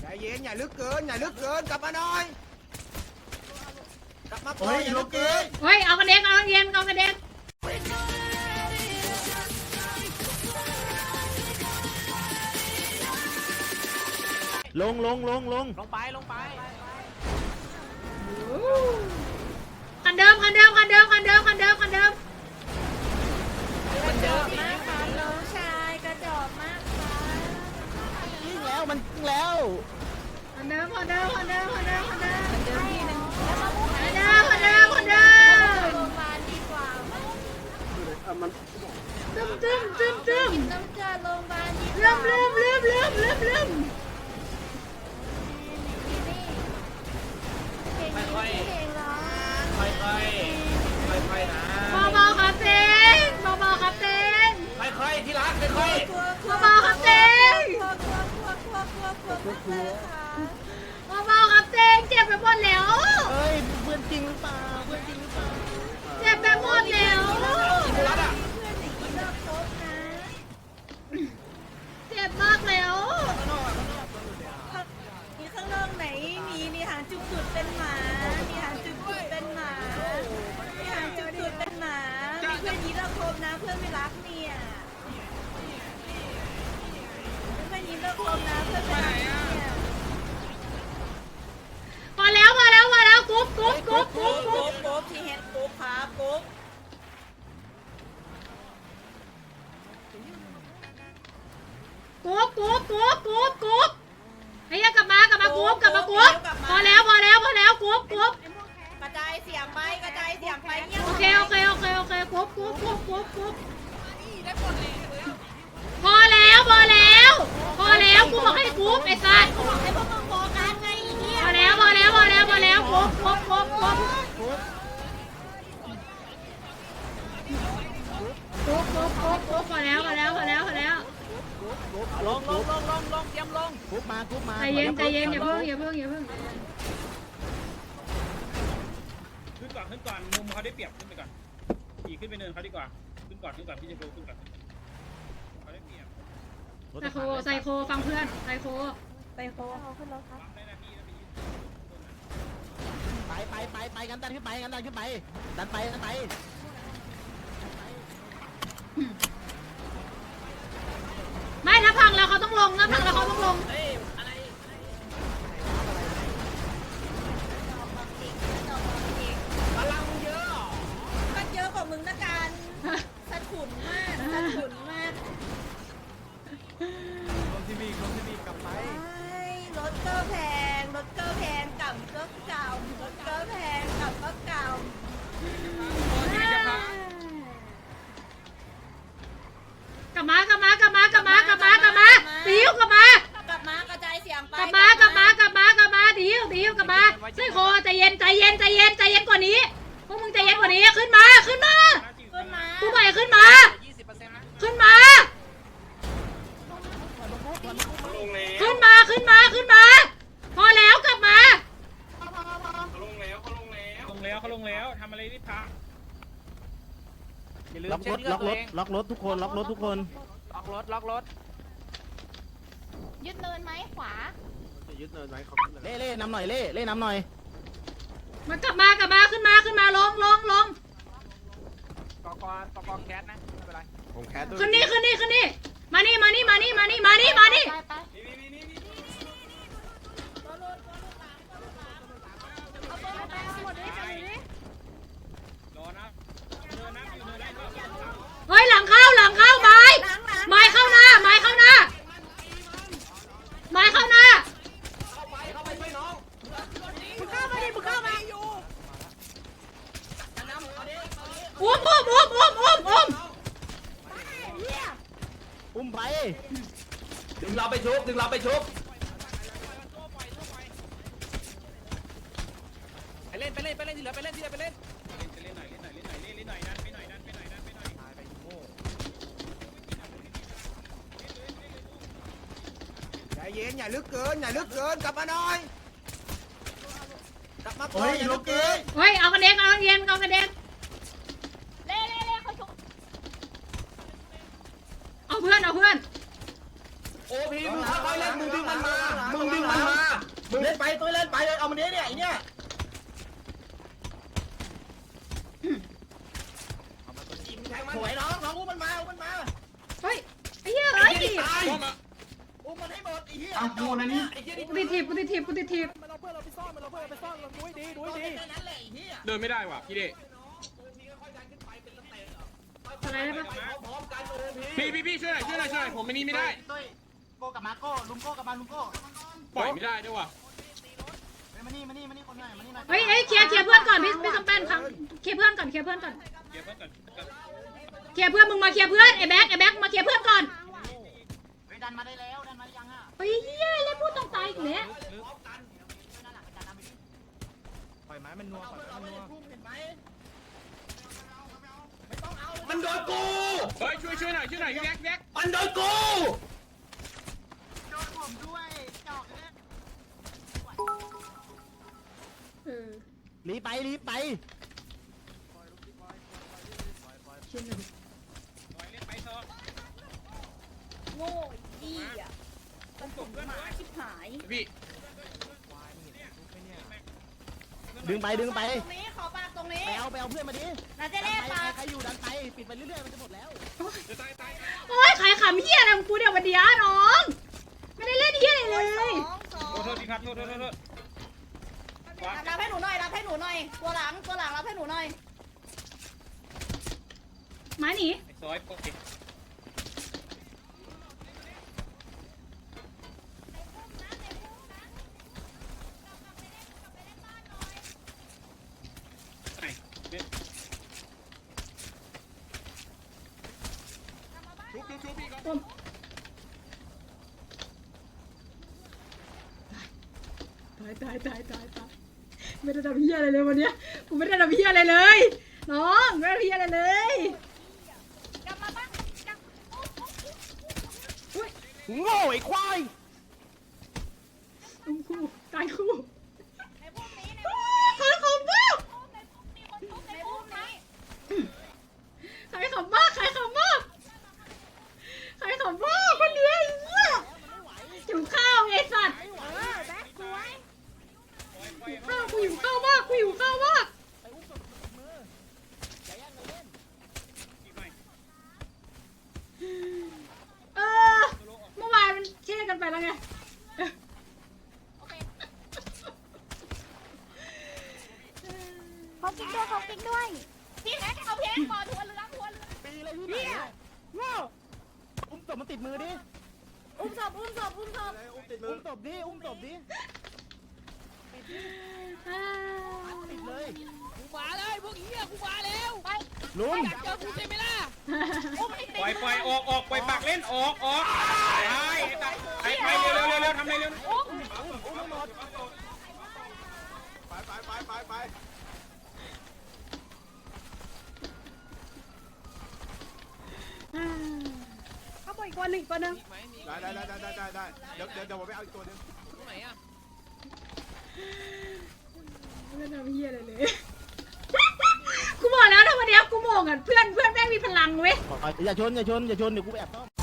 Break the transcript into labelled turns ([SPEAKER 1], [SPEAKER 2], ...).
[SPEAKER 1] เย็นอย่าลึกเกินอย่าลึกเกินกลับมาหน่อยกลับมาก่อนอย่าลึกเกิน
[SPEAKER 2] เฮ้ยเอากระเด็นเอาเย็นเอากระเด็น
[SPEAKER 3] ลง
[SPEAKER 4] ไป
[SPEAKER 2] คันเดิม
[SPEAKER 5] มันเดิมมากค่ะน้องชายกระจอกมากค่ะ
[SPEAKER 3] ยิงแล้วมันยิงแล้ว
[SPEAKER 2] คันเดิมที่หนึ่ง
[SPEAKER 5] คนเดิม
[SPEAKER 2] โรงพยาบาลดีกว่าตึ้ม
[SPEAKER 5] น้ำเกลือโรงพยาบาลดีกว่า
[SPEAKER 2] ลืม
[SPEAKER 4] ค่อยนะ
[SPEAKER 2] เบาครับเต้นเบาครับเต้น
[SPEAKER 4] ค่อยที่รักค่อย
[SPEAKER 2] เบาครับเต้นเบาครับเต้นเจ็บไปหมดแล้ว
[SPEAKER 3] เฮ้ยเพื่อนจริงหรือเปล่า
[SPEAKER 2] เจ็บไปหมดแล้วเจ็บมากแล้ว
[SPEAKER 5] มีข้างนอกไหนมีหางจุดเป็นหมามีหางจุดเป็นหมามีหางจุดเป็นหมามีเพื่อนยีราฟคมนะเพื่อนไม่รักเนี่ยเพื่อนยีราฟคมนะเพื่อนไม่รักเนี่ย
[SPEAKER 2] มาแล้วกุ๊บ
[SPEAKER 5] ที่เห็นกุ๊บครับกุ๊บ
[SPEAKER 2] ไอ้ยังกลับมากุ๊บพอแล้วกุ๊บ
[SPEAKER 5] กระจายเสียงไปเนี่ย
[SPEAKER 2] โอเคกุ๊บพอแล้วกูบอกให้กุ๊บไอ้สัส
[SPEAKER 5] ให้พวกมึงบอกกันไงเนี่ย
[SPEAKER 2] พอแล้วกุ๊บพอแล้วพอแล้ว
[SPEAKER 4] ลงเตรียมลง
[SPEAKER 3] กุ๊บมา
[SPEAKER 2] ใจเย็นอย่าเพิ่ง
[SPEAKER 6] ขึ้นก่อนมุมเขาได้เปรียบขึ้นไปก่อนขี่ขึ้นไปเนินเขาดีกว่าขึ้นก่อนพี่จะดูขึ้นก่อนเขาได้เปรียบ
[SPEAKER 2] ไซโคฟังเพื่อนไซโค
[SPEAKER 5] ขึ้นรถครับ
[SPEAKER 3] ไปกันดันขึ้นไปดันไป
[SPEAKER 2] ไม่ถ้าพังแล้วเขาต้องลง
[SPEAKER 4] พลังเยอะ
[SPEAKER 5] ก็เยอะกว่ามึงนะกันสะถุนมาก
[SPEAKER 6] ลงที่มีกลับไป
[SPEAKER 5] รถก็แพงกลับก็เก่ารถก็แพงกลับก็เก่าก
[SPEAKER 2] ลับมาดิวกลับม
[SPEAKER 5] ากระจายเสียงไป
[SPEAKER 2] ดิวกลับมาไซโคใจเย็นกว่านี้พวกมึงใจเย็นกว่านี้ขึ้นมากูไปขึ้นมาพอแล้วกลับมา
[SPEAKER 6] เขาลงแล้วทำอะไรรีบพัก
[SPEAKER 4] อย่าลืม
[SPEAKER 3] ล็อกรถทุกคน
[SPEAKER 4] ล็อกรถ
[SPEAKER 5] ยึดเนินไหมขวา
[SPEAKER 3] ยึดเนินไว้เขาเล่นำหน่อยเล่นำหน่อย
[SPEAKER 2] มันกลับมาขึ้นมาลง
[SPEAKER 4] กอแคสนะไม่เป็นไร
[SPEAKER 3] ผมแคสด้วย
[SPEAKER 2] ขึ้นนี่มานี่เฮ้ยหลังเข้าไม้เข้าหน้าเข้าไปช่วยน้องมึงเข้ามาอยู่อุ้ม
[SPEAKER 3] ไป
[SPEAKER 4] ดึงเราไปชุบไปเล่นที่เหลือไปเล่น
[SPEAKER 6] เล่นหน่อยดันไปหน่อยใจเย็นอย่าลึกเกินกลับมาหน่อยกลับมาก่อนอย่าลึกเกิน
[SPEAKER 2] เฮ้ยเอากระเด็นเล่เขาชุบเอาเพื่อน
[SPEAKER 4] โอ้พี่มึงค่อยๆเล่นมึงดึงมันมา
[SPEAKER 3] ล่นไปตัวเล่นไปเอามันนี้เนี่ยไอ้เนี่ย สวยน้องอุ้มมันมา
[SPEAKER 2] เฮ้ยไอ้เหี้ยเอ้ย
[SPEAKER 3] อุ้มมันให้หมดไอ้เหี้ย
[SPEAKER 1] เอาโดนนะนี่
[SPEAKER 2] กูติดถีบกูติดถีบกูติดถีบ
[SPEAKER 4] มันเอาเพื่อนเราไปซ่อนมันเอาเพื่อนเราไปซ่อนเราดูให้ดีดูให้ดี
[SPEAKER 3] แค่นั้นแหละไอ้เหี้ย
[SPEAKER 7] เดินไม่ได้ว่ะพี่เด
[SPEAKER 2] อะไรได้ปะ
[SPEAKER 3] พร้อมกันโอ้
[SPEAKER 7] พี่ช่วยหน่อยผมไม่นี่ไม่ได้
[SPEAKER 3] ตุ้ยโก้กับมาโก้ลุงโก้กับมาลุงโก้
[SPEAKER 7] ปล่อยไม่ได้ด้วยว่ะ
[SPEAKER 3] มานี่คนหน่อยมานี่หน่อย
[SPEAKER 2] เฮ้ยเคลียร์เพื่อนก่อนพี่สมแปนครับเคลียร์เพื่อนก่อนเคลียร์เพื่อนก่อน
[SPEAKER 6] เก็บไว้ก่อน
[SPEAKER 2] เคลียร์เพื่อนมึงมาเคลียร์เพื่อนไอ้แบ็คมาเคลียร์เพื่อนก่อน
[SPEAKER 3] ดันมาได้แล้วดันมายังอ่ะ
[SPEAKER 2] เฮ้ยเหี้ยเล่นพูดตรงตายอีกแล้ว
[SPEAKER 4] ปล่อยไม้มันนัวปล่อยไม้มันนัว
[SPEAKER 1] มันโดนกู
[SPEAKER 7] เฮ้ยช่วยหน่อยแยก
[SPEAKER 1] มันโดนกู
[SPEAKER 3] โดนผมด้วยจอกเลย รีบไป
[SPEAKER 6] ปล่อยเล่นไปซอ
[SPEAKER 5] โง่ยี่อ่ะ
[SPEAKER 6] ต้องส่งเพื่อน
[SPEAKER 5] หมา
[SPEAKER 6] ไว้
[SPEAKER 5] ชิบหาย
[SPEAKER 7] พี่
[SPEAKER 3] ดึงไป
[SPEAKER 5] ตรงนี้ขอปากตรงนี้
[SPEAKER 3] ไปเอาเพื่อนมาดิ
[SPEAKER 5] นาเจเล่ปาก
[SPEAKER 3] ใครอยู่ดันไปปิดไปเรื่อยๆมันจะหมดแล้ว
[SPEAKER 7] จะตาย
[SPEAKER 2] โอ๊ยขายขำเหี้ยอะไรของกูเดี๋ยววันเดียวน้อง ไม่ได้เล่นเหี้ยอะไรเลย
[SPEAKER 6] โทษทีครับโทษ
[SPEAKER 5] รับให้หนูหน่อยตัวหลังรับให้หนูหน่อย
[SPEAKER 6] ไ
[SPEAKER 2] ไม้หนี
[SPEAKER 6] อ้ซอยโอเคไหนเนี่ย
[SPEAKER 7] ชุบพี่ก็
[SPEAKER 2] ตายไม่ได้ทำเหี้ยอะไรเลยวันเนี้ยกูไม่ได้ทำเหี้ยอะไรเลยน้องไม่ได้ทำเหี้ยอะไรเลย
[SPEAKER 5] กลับมาบ้าน
[SPEAKER 3] โง่ไอ้ควาย
[SPEAKER 2] คู่ตายคู่
[SPEAKER 5] ในพวกนี้
[SPEAKER 2] ขายของมาก
[SPEAKER 5] มีคนทุบในพวกนี้
[SPEAKER 2] ขายของมากคนเดียวไอ้เหี้ยหิวข้าวไอ้สัตว์
[SPEAKER 5] แบ็คสวย
[SPEAKER 2] กูหิวข้าวมาก
[SPEAKER 6] อีกหน่อย
[SPEAKER 2] เมื่อวานมันเช่กันไปแล้วไง
[SPEAKER 5] เขากินด้วยพี่แม็กเอาเพชรบอลทัวเรือ
[SPEAKER 3] ปีเลยพี่เนี่ยโง่อุ้มศพมันติดมือดิ
[SPEAKER 5] อุ้มศพ
[SPEAKER 3] อุ้มศพดิติดเลยกูมาเลยพวกเหี้ยกูมาแล้วลุงเจอกูใช่ไหมล่ะ
[SPEAKER 6] ปล่อยออกปล่อยปากเล่นออกไปเร็วทำอะไรเร็ว
[SPEAKER 4] ไป
[SPEAKER 2] เขาบอกอีกวันหนึ่งตัวนึง
[SPEAKER 4] ได้เดี๋ยวผมไปเอาอีกตัวนึง
[SPEAKER 2] ไม่ทำเหี้ยอะไรเลย กูบอกแล้วถ้าวันเนี้ยกูโมงอ่ะเพื่อนแม่งมีพลังเว้ย
[SPEAKER 3] อย่าชนเดี๋ยวกูไปแอบซ่อม